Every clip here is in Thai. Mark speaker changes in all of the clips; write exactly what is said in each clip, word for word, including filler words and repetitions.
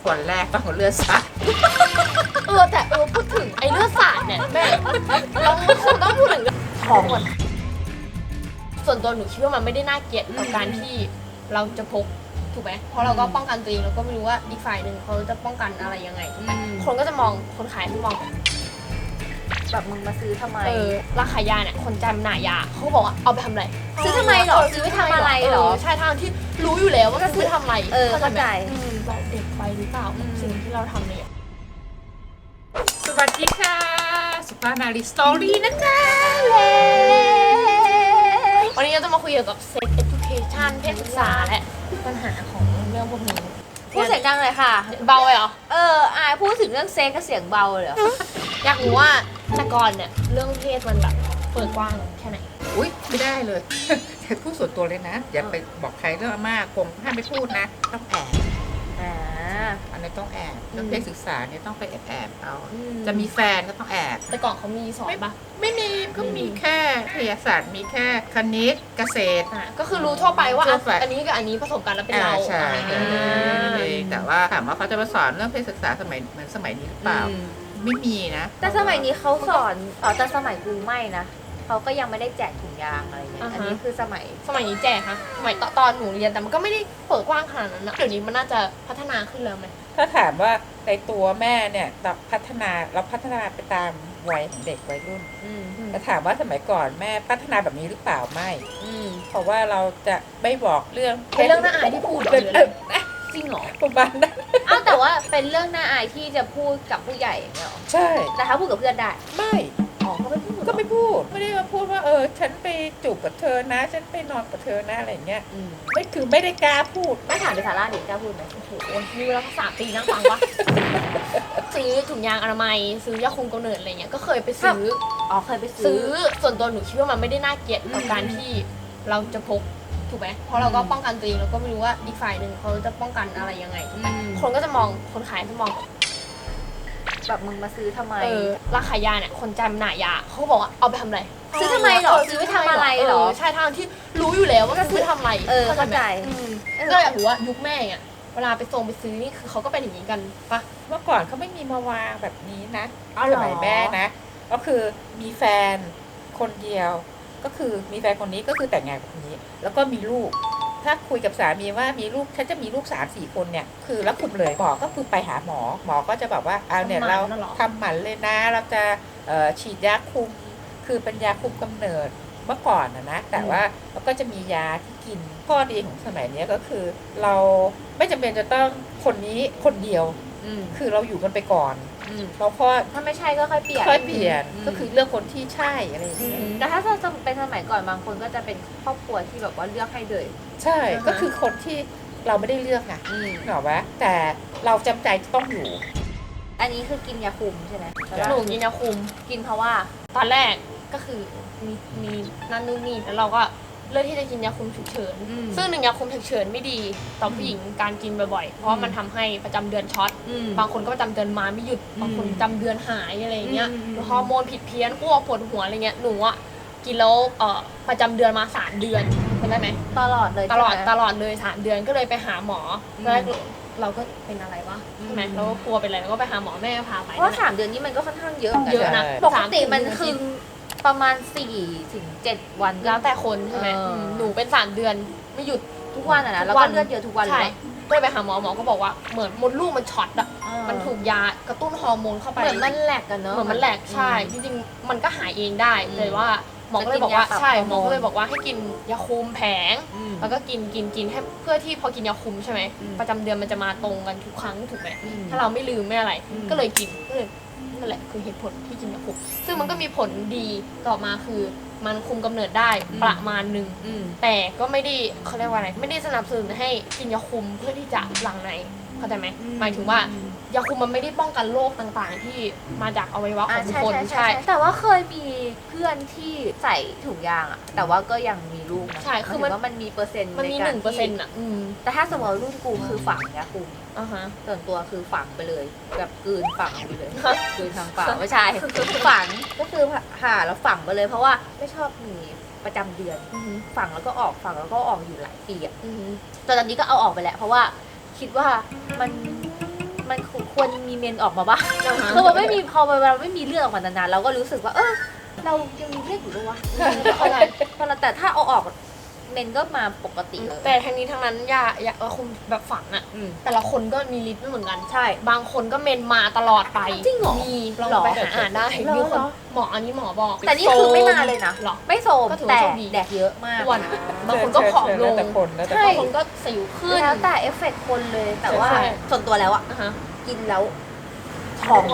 Speaker 1: คนแรกต้องเลือดสาด
Speaker 2: เออแต่เออพูดถึงไอ้เลือดสาดเนี่ยแม่เราคงต้องพูดถึงเรื่องท้องก่อนส่วนตัวหนูคิดว่ามันไม่ได้น่าเกลียดกับการที่เราจะพกถูกไหมเพราะเราก็ป้องกันตัวเองเราก็ไม่รู้ว่าอีกฝ่ายหนึ่งเขาจะป้องกันอะไรยังไงถูกไหมคนก็จะมองคนขายที่มอง
Speaker 3: แบบมึงมาซื้อทำไม
Speaker 2: เออราคายาเนี่ยคนจำหน่ายยาเขาบอกว่าเอาไปทำอะไร
Speaker 3: ซื้อทำไมหรอซื้อไปทำอะไรหรอ
Speaker 2: ใช่ทางที่รู้อยู่แล้วว่าซื้อทำอะไร
Speaker 3: เออเข้าใจ
Speaker 2: เราเด็กไปหรือเปล่าสิ่งที่เราทำเนี่ย
Speaker 1: สวัสดีค่ะสุภานารีสตอรี่นะคะ
Speaker 2: วันนี้เราจะมาคุยเกี่ยวกับ sex education เพศศึกษาและปัญหาของเรื่องพวกนี้
Speaker 3: พูดเสียงดังเลยค่ะ
Speaker 2: เบาเลยเหรอ
Speaker 3: เอออายพูดถึงเรื่องเซ็กก็เสียงเบาเลยเหรอ
Speaker 2: อยากรู้ว่าแต่ก่อนเนี่ยเรื่องเพศมันแบบเปิดกว้างแค่ไหน
Speaker 1: อุ้ยไม่ได้เลยแต่พูดส่วนตัวเลยนะอย่าไปบอกใครเรื่องมากคงห้ามไม่พูดนะต้องแอบ
Speaker 3: อ่า
Speaker 1: อันนี้ต้องแอบเรื่องเพศศึกษาเนี่ยต้องไปแอบแอบเอาจะมีแฟนก็ต้องแอบ
Speaker 2: แต่ก่อนเขามีสอนปะ
Speaker 1: ไม่มีก็มีแค่วิทยาศาสตร์มีแค่คณิตเกษตร
Speaker 2: ก็คือรู้ทั่วไปว่าอันนี้กับอันนี้ผสมกันแล้วเป็นเรา
Speaker 1: ใช่แต่ว่าถามว่าเขาจะมาสอนเรื่องเพศศึกษาสมัยเหมือนสมัยนี้หรือเปล่าไม่มีนะ
Speaker 3: แต่สมัยนี้เขาสอนอ๋อแต่สมัยกูไม่นะเขาก็ยังไม่ได้แจกถุงยางอะไรเงี้ยอันนี้คือสมัย
Speaker 2: สมัยนี้แจกคะสมัยตอนหนูเรียนแต่มันก็ไม่ได้เปิดกว้างขนาดนั้นนะเดี๋ยวนี้มันน่าจะพัฒนาขึ้นแล้วไหม
Speaker 1: ถ้าถามว่าในตัวแม่เนี่ยพัฒนาเราพัฒนาไปตามวัยของเด็กวัยรุ่นแต่ถามว่าสมัยก่อนแม่พัฒนาแบบนี้หรือเปล่าไม่เพราะว่าเราจะไม่บอกเรื่อง
Speaker 2: เป็นเรื่องน่าอายที่พูดเลยจริงเหรอ
Speaker 1: ประมาณนั้น
Speaker 3: อ้าวแต่ว่าเป็นเรื่องน่าอายที่จะพูดกับผู้ใหญ่เนี่ยหรอ
Speaker 1: ใช่
Speaker 3: แต่ถ้าพูดกับเพื่อนได้
Speaker 1: ไม่
Speaker 3: อ๋อก็ไม่พูด
Speaker 1: ก็ไม่พูดไม่ได้มาพูดว่าเออฉันไปจูบกับเธอนะฉันไปนอนกับเธอนะอะไรเงี้ยไม่คือไม่ได้กล้าพูด
Speaker 3: ไม่ถามไปซาร่าเด็กกล้าพูดไหม
Speaker 2: โอ้โหมีเวลาสามปีนั่งฟังวะซื้อถุงยางอนามัยซื้อยาคุมกำเนิดอะไรเงี้ยก็เคยไปซื้อ
Speaker 3: อ๋อเคยไป
Speaker 2: ซื้อส่วนตัวหนูคิดว่ามันไม่ได้น่าเกลียดกับการที่เราจะพกถูกไหมเพราะเราก็ป้องกันตัวเองเราก็ไม่รู้ว่าอีกฝ่ายหนึ่งเขาจะป้องกันอะไรยังไงถูกไหมคนก็จะมองคนขายจะมอง
Speaker 3: แบบมึงมาซื้อทำไม
Speaker 2: เออราคายาเนี่ยคนจำหน่ายยาเขาบอกว่าเอาไปทำอะไร
Speaker 3: ซื้อทำไมหรอซื้อไปทำอะไรหรอ
Speaker 2: ใช่ทางที่รู้อยู่แล้วว่าซื้อทำอะไร
Speaker 3: เออเข้าใจ
Speaker 2: ก็อยากรู้ว่ายุคแม่เนี่ยเวลาไปส่งไปซื้อนี่คือเขาก็เป็นอย่างนี้กันปะ
Speaker 1: เมื่อก่อนเขาไม่มีมาวางแบบนี้นะสมัยแม่นะก็คือมีแฟนคนเดียวก็คือมีแฟนคนนี้ก็คือแต่งงานกับคนนี้แล้วก็มีลูกถ้าคุยกับสามีว่ามีลูกฉันจะมีลูกสามสี่คนเนี่ยคือแล้วคุมเลยหมอก็คือไปหาหมอหมอก็จะแบบว่าเอาเนี่ยเราทำหมันเลยนะเราจะฉีดยาคุมคือเป็นยาคุมกำเนิดเมื่อก่อนนะนะแต่ว่าเราก็จะมียาที่กินข้อดีของสมัยนี้ก็คือเราไม่จำเป็นจะต้องคนนี้คนเดียวคือเราอยู่กันไปก่อนเราพอ
Speaker 3: ถ้าไม่ใช่ก็ค่อยเปลี่ยน
Speaker 1: ค่อยเปลี่ยนก็คือเลือกคนที่ใช่อะไรอย่างเงี้ย
Speaker 3: แต่ถ้าจะเป็นสมัยก่อนบางคนก็จะเป็นครอบครัวที่แบบว่าเลือกให้เลย
Speaker 1: ใช่ก็คือคนที่เราไม่ได้เลือกไงเหรอวะแต่เราจำใจต้องอยู่
Speaker 3: อันนี้คือกินยาคุมใช่ไหม
Speaker 2: หนูกินยาคุม
Speaker 3: กินเพราะว่า
Speaker 2: ตอนแรกก็คือมีมีนั่นนู่นนี่แล้วเราก็เลือกที่จะกินยาคุมฉุกเฉินซึ่งหนึ่งยาคุมฉุกเฉินไม่ดีต่อผู้หญิงการกินบ่อยๆเพราะมันทำให้ประจำเดือนช็อตบางคนก็ประจำเดือนมาไม่หยุดบางคนประจำเดือนหายอะไรเงี้ยฮอร์โมนผิดเพี้ยนอ้วกปวดหัวอะไรเงี้ยหนูอ่ะกินแล้วเอ่อประจำเดือนมาสามเดือนจำได้ไหม
Speaker 3: ตลอดเลย
Speaker 2: ตลอดตลอดเลยสามเดือนก็เลยไปหาหมอแล้วเราก็เป็นอะไรวะใช่ไหมเราก็กลัวเป็นอะไรแล้วก็ไปหาหมอแม่พาไป
Speaker 3: เพราะสามเดือนนี้มันก็ค่อนข้างเยอะ
Speaker 2: เยอะนะ
Speaker 3: ปกติมันคือประมาณสี่ถึงเจ็ดวัน
Speaker 2: แล้วแต่คนใช่ไหมหนูเป็นสามเดือนไม่หยุด
Speaker 3: ทุกวันอ่ะนะแล้วก็เลือดเยอะทุกวัน
Speaker 2: เลยก็ไปหาหมอหมอก็บอกว่าเหมือนมดลูกมันช็อตอ่ะมันถูกยากระตุ้นฮอร์โมนเข้าไป
Speaker 3: เหมือนมันแหลกกันเนอะ
Speaker 2: เหมือนมันแหลกใช่จริงๆมันก็หายเองได้เลยว่าหมอก็เลยบอกว่าใช่หมอก็เลยบอกว่าให้กินยาคุมแผงแล้วก็กินกินกินให้เพื่อที่พอกินยาคุมใช่ไหมประจำเดือนมันจะมาตรงกันทุกครั้งถูกไหมถ้าเราไม่ลืมไม่อะไรก็เลยกินก็เลยนั่นแหละคือเหตุผลที่กินยาคุมซึ่งมันก็มีผลดีต่อมาคือมันคุมกำเนิดได้ประมาณนึงแต่ก็ไม่ได้เขาเรียกว่าอะไรไม่ได้สนับสนุนให้กินยาคุมเพื่อที่จะหลั่งในเข้าใจไหมหมายถึงว่ายาคุมมันไม่ได้ป้องกันโรคต่างๆที่มาจากอวัยวะของคน
Speaker 3: ใช่แต่ว่าเคยมีเพื่อนที่ใส่ถุงยางอะแต่ว่าก็ยังมีลูกนะ
Speaker 2: ใช่คือมัน
Speaker 3: ว่ามันมีเปอร์เซ็นต์
Speaker 2: มันมีหนึ่งเปอร์เซ็นต์อะ
Speaker 3: แต่ถ้าสมมติรุ่นกูคือฝังยาคุมส่วนตัวคือฝังไปเลยแบบกลืนฝังไปเลยกลืนทางปากไม่ใช่ฝังก็คือผ่าแล้วฝังไปเลยเพราะว่าไม่ชอบมีประจำเดือนฝังแล้วก็ออกฝังแล้วก็ออกอยู่หลายปีอะแต่ตอนนี้ก็เอาออกไปแล้วเพราะว่าคิดว่ามันมันควรมีเมนออกมาบ้างคือมันไม่มีพอเวลาไม่มีเลือดออกมานานๆเราก็รู้สึกว่าเออเรายังมีเลือดอยู่ด้วยวะอะไรพอเราแต่ถ้าเอาออกเมนก็มาปกติเลย
Speaker 2: แต่ทั้งนี้ทั้งนั้นยายาเออคุมแบบฝังอะ
Speaker 3: อืม
Speaker 2: แต่ละคนก็มีฤทธิ์ไม่เหมือนกัน
Speaker 3: ใช่
Speaker 2: บางคนก็เมนมาตลอดไป
Speaker 3: จริงเหรอ
Speaker 2: มีลอง
Speaker 3: หรอ
Speaker 2: ไปหาอ่านได้
Speaker 3: หรอ
Speaker 2: มีคน
Speaker 3: หรอ
Speaker 2: หมออันนี้หมอบอก
Speaker 3: แต่นี่คือไม่มาเลยนะ
Speaker 2: หรอ
Speaker 3: ไม่โซม
Speaker 2: ก็ถือว่า
Speaker 3: แต่
Speaker 2: โชคดี
Speaker 3: แดกเยอะมาก
Speaker 2: อ้วนบางคนก็ผอมล
Speaker 1: แล้ว
Speaker 2: ง
Speaker 1: แต่คนแล้วแต่
Speaker 3: ใช่
Speaker 1: คน
Speaker 2: บางคนก็สิวขึ้น
Speaker 3: แล้วแต่เอฟเฟกต์คนเลยแต่ว่า
Speaker 2: ใช่
Speaker 3: ส่วนตัวแล้วอะ
Speaker 2: อ่ะฮะ
Speaker 3: กินแล้วท้อง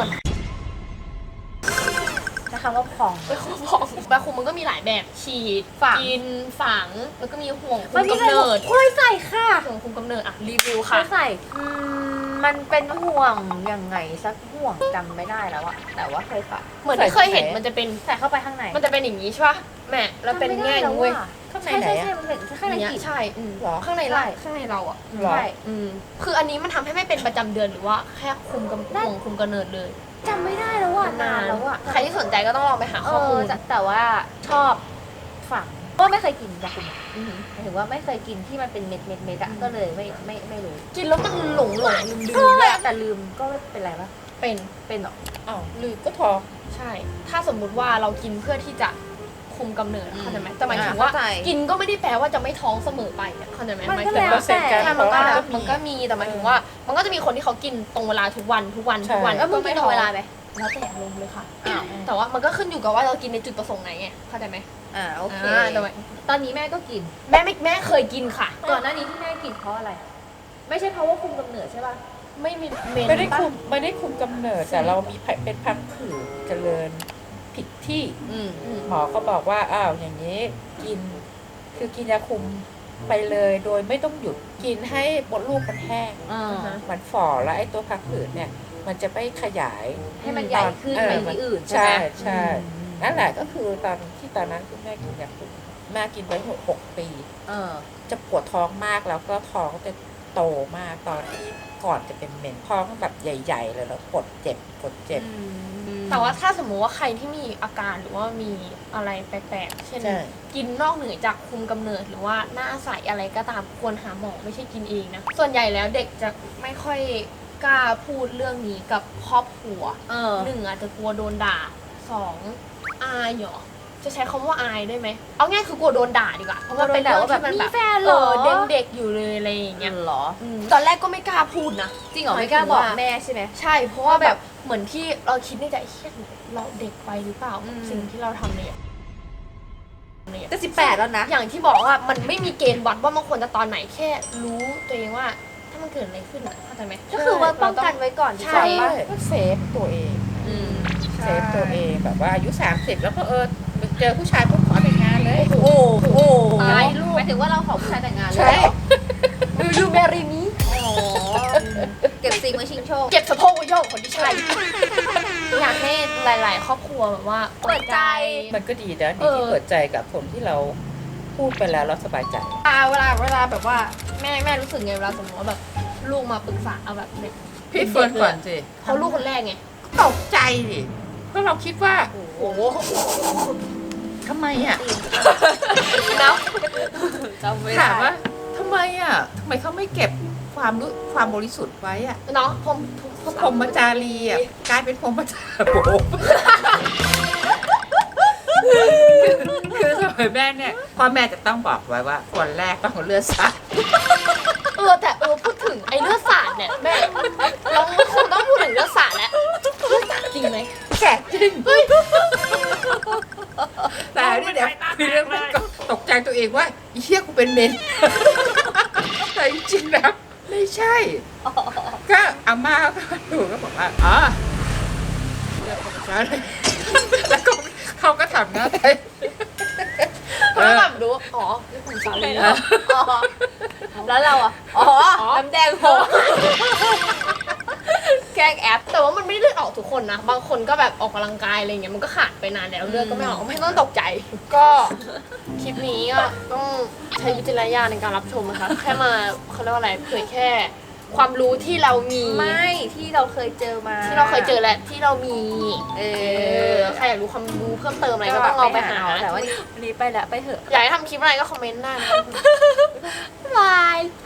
Speaker 3: ใช้คำว่าพอง
Speaker 2: ไปคุมของบางคุมมันก็มีหลายแบบฉีด
Speaker 3: ฝัง
Speaker 2: กินฝังแล้วก็มีห่วงคุ
Speaker 3: มัน
Speaker 2: ม
Speaker 3: มี
Speaker 2: กำเนิด
Speaker 3: เคยใส่ค่ะ
Speaker 2: ห่วงคุมกำเนิดอ่ะรีวิว
Speaker 3: เค
Speaker 2: ค่ะ
Speaker 3: ยใส่อืมมันเป็นห่วงยังไงสักห่วงจำไม่ได้แล้วอะแต่ว่าเคยใส่
Speaker 2: เหมือนที่เคยเห็นมันจะเป็น
Speaker 3: ใส่เข้าไปข้างใน
Speaker 2: มันจะเป็นอย่างนี้ใช่ป่ะแม่แล้วเป็นแง่งเว้ย
Speaker 1: ข้างใน
Speaker 3: ใช่
Speaker 1: ไหน
Speaker 3: ใช่
Speaker 1: อะ
Speaker 3: ใช่มันเป็นข้างใน
Speaker 2: อย่างเงี้ย
Speaker 3: กีบ
Speaker 2: ใช่อืม
Speaker 1: หรอ
Speaker 2: ข้างใน
Speaker 3: ใช่
Speaker 2: เราข้างในเราอ่ะ
Speaker 1: หรอ
Speaker 3: ใช่
Speaker 2: อืมคืออันนี้มันทำให้ไม่เป็นประจำเดือนหรือว่าแค่คุมกำห่วงคุมกำเนิดเลย
Speaker 3: จำไม่ได้แล้วอะนานแล้วอะ
Speaker 2: ใครที่สนใจก็ต้องลองไปหา
Speaker 3: เอ
Speaker 2: ข้อมู
Speaker 3: อ
Speaker 2: ล
Speaker 3: แต่แต่ว่าชอบฝังก็ไม่เคยกินยาคุมอะ
Speaker 2: อือหือ
Speaker 3: หมายถึงว่าไม่เคยกินที่มันเป็นเม็ดเม็ดเม็ดอะก็เลยไม่ไม่ไม่รู้
Speaker 2: กินแล้วมันหลงหลงลืมลื
Speaker 3: ก็
Speaker 2: ม
Speaker 3: เลยแต่ลืมก็ไม่เป็นไรปะ
Speaker 2: เป็น
Speaker 3: เป็นเหรอ
Speaker 1: อ้าวลืมก็ท้อง
Speaker 2: ใช่ ถ้าสมมุติว่าเรากินเพื่อที่จะคุมกำเนิด
Speaker 3: อืม
Speaker 2: เข้าใจไหมแต่หมายถึงว่า
Speaker 3: เข้าใจ
Speaker 2: กินก็ไม่ได้แปลว่าจะไม่ท้องเสมอไปอะเข้าใจไหม
Speaker 3: มัน
Speaker 2: หมาย
Speaker 3: ก็
Speaker 2: ถึง
Speaker 3: แล้ว
Speaker 2: ว่า
Speaker 1: เปอร์เซ็นต์การ
Speaker 2: ใช่มันก็
Speaker 1: ท้อง
Speaker 2: แล้ว
Speaker 1: ก็มี
Speaker 2: มันก็มีแต่หมายถึงว่า มันก็จะมีคนที่เขากินตรงเวลาทุกวันทุกวัน
Speaker 1: ใช่
Speaker 2: ทุกวัน
Speaker 3: แล้วมึงกินตรงเวลาไหม
Speaker 2: แล้วแต่อารมณ์เลยค่ะ
Speaker 3: อ้าว
Speaker 2: แต่ว่ามันก็ขึ้นอยู่กับว่าเรากินในจุดประสงค์ไหนไงเข้าใจไหม
Speaker 3: อ่าโอเค
Speaker 2: อ่าแต่ว่า
Speaker 3: ตอนนี้แม่ก็กิน
Speaker 2: แม่ไม่แม่เคยกินค่ะ
Speaker 3: ก่อนหน้านี้ที่แม่กินเพราะอะไร ไม่ใช่เพราะว่าคุมกำเนิดใช่ป่ะ
Speaker 2: ไม่มีเมน
Speaker 1: ไม่ได้
Speaker 2: ปะ
Speaker 1: คุมไม่ได้คุมกำเนิดแต่เรามีเป็นพังผืดเจริญผิดที่
Speaker 3: อืม
Speaker 2: อืม
Speaker 1: หมอก็บอกว่าอ้าวอย่างนี้กิน คือกินยาคุมไปเลยโดยไม่ต้องหยุดกินให้มดลูกมันแห้ง
Speaker 3: อ่า
Speaker 1: มันฝ่อแล้วไอ้ตัวพังผืดเนี่ย มันจะไม่ขยาย
Speaker 3: ให้มันใหญ่ขึ้น
Speaker 1: เออ
Speaker 3: ไปที่อื่นใช่
Speaker 1: ใช่
Speaker 3: ไหม
Speaker 1: ใช่
Speaker 3: อืม
Speaker 1: นั่นแหละก็คือตอนที่ตอนนั้นคุณแม่กินยาคุมแม่กินไว้หกหกปี
Speaker 3: เออ
Speaker 1: จะปวดท้องมากแล้วก็ท้องจะโตมากตอนที่ก่อนจะเป็นเมนท้องแบบใหญ่ ๆ เลยแล้วปวดเจ็บปวดเจ็บ
Speaker 2: แต่ว่าถ้าสมมุติว่าใครที่มีอาการหรือว่ามีอะไรแปลกๆ เช่น
Speaker 1: ใช่
Speaker 2: กินนอกเหนือจากคุมกำเนิดหรือว่าหน้าใสอะไรก็ตามควรหาหมอไม่ใช่กินเองนะ ส่วนใหญ่แล้วเด็กจะไม่ค่อยกล้าพูดเรื่องนี้กับครอบครัว
Speaker 3: เออ
Speaker 2: หนึ่งอาจจะกลัวโดนด่าสองอายเหรอจะใช้คำว่าอายได้ไหมเอาง่ายคือกลัวโดนด่าดีกว่าเพราะว่าเป็นเรื่องที่มัน
Speaker 3: มี
Speaker 2: แบบ
Speaker 3: แฟนเหรอ
Speaker 2: เออเด็กๆอยู่เลยอะไรอย่างเงี้ย
Speaker 3: เหรอ
Speaker 2: อืมตอนแรกก็ไม่กล้าพูดนะ
Speaker 3: จริงเหรอไม่กล้าบอกแม่ใช่ไหม
Speaker 2: ใช่ เพราะว่าแบบเหมือนที่เราคิดในใจเฮียเราเด็กไปหรือเปล่า
Speaker 3: อืม
Speaker 2: สิ่งที่เราทำเนี่ย
Speaker 3: จะสิบแปดแล้วนะ
Speaker 2: อย่างที่บอกว่ามันไม่มีเกณฑ์วัดว่ามันควรจะตอนไหนแค่รู้ตัวเองว่า ถ้ามันเกิดอะไรขึ้นอ่ะเข้าใจไหม
Speaker 3: ก็คือว่าป้องกันไว้ก่อน
Speaker 2: ใช่
Speaker 3: ดีกว่า
Speaker 1: ก็เซฟตัวเอง
Speaker 3: อืม
Speaker 1: เซฟตัวเองแบบว่าอายุสามสิบแล้วก็เออเจอผู้ชายปุ๊บขอแต่งงานเลย
Speaker 3: โอ้โหโอ้โห
Speaker 2: ตายลูก
Speaker 3: หมายถึงว่าเราขอผู้ชายแต่งงานเลย
Speaker 1: ใช่
Speaker 2: ดูยูเมรีมี
Speaker 3: อ๋อเก็บซิงไว้ชิงโชค
Speaker 2: เก็บสะโพกไว้โยกคนที่ใช่อยากให้หลาย ๆ ครอบครัวแบบว่า
Speaker 3: เปิดใจ
Speaker 1: มันก็ดีนะดี
Speaker 2: เออ
Speaker 1: ที่เปิดใจกับคนที่เราพูดไปแล้วเราสบายใจ
Speaker 2: อ่าเวลาเวลาแบบว่าแม่แม่รู้สึกไงเวลาสมมติว่าแบบลูกมาปรึกษาเอาแบบเนี่ย
Speaker 1: พี่เฟิร์นก่อนสิ
Speaker 2: เขาลูกคนแรกไง
Speaker 1: ตกใจดิเพราะเราคิดว่า
Speaker 2: โอ้โห
Speaker 1: ทำไมอ่ะ
Speaker 2: นะ
Speaker 3: จำไม่
Speaker 1: ถาม
Speaker 3: ได้
Speaker 1: ว่าทำไมอ่ะทำไมเขาไม่เก็บความรู้ความบริสุทธิ์ไว้อ่ะ
Speaker 2: เนาะผมผม
Speaker 1: พรหมจารีอ่ะกลายเป็นพรหมจารีโบคือสมัยแม่เนี่ยพ่อแม่จะต้องบอกไว้ว่าคนแรกต้องเอาเลือดสาด
Speaker 2: เออแต่เออพูดถึงไอ้เลือดสาดเนี่ยแม่เราคงต้องพูดถึงเลือดสาดแล้วเลือดสาดจริงไหม
Speaker 1: แสบจริงแต่นี่เดี๋ยวมีเรื่องมันก็ตกใจตัวเองว่าอีเหี้ยกูเป็นเมนแต่จริงๆนะไม่ใช่ ก็อาม่าก็ดูก็บอกว่าอ๋อเลือดของฉันแล้วก็เขาก็ทำหน้าไทย
Speaker 2: เพราะแบบรู้อ๋อนี่ผมสาลี
Speaker 3: อ๋อแล้วเราอ่ะ อ๋อ น้ำแดงโหแกล้งแอป
Speaker 2: แต่ว่ามันไม่ได้เลือดออกทุกคนนะบางคนก็แบบออกกำลังกายอะไรเงี้ยมันก็ขาดไปนานแล้วเลือดก็ไม่ออกไม่ต้องตกใจ ก็คลิปนี้ก็ต้องใช้วิจารณญาณในการรับชมนะคะแค่มาเขาเรียกว่าอะไรเผยแค่ความรู้ที่เรามี
Speaker 3: ไม่ที่เราเคยเจอมา
Speaker 2: ที่เราเคยเจอและที่เรามี
Speaker 3: เอ
Speaker 2: เอ
Speaker 3: อ
Speaker 2: อใครอยากรู้ความรู้เพิ่มเติมอะไรก็ต้องลองไปหา
Speaker 3: แต่ว่าวันนี้ไปแล้วไปเถอะ
Speaker 2: อยากให้ทำคลิปอะไรก็คอมเมนต์ได้นะ
Speaker 3: บาย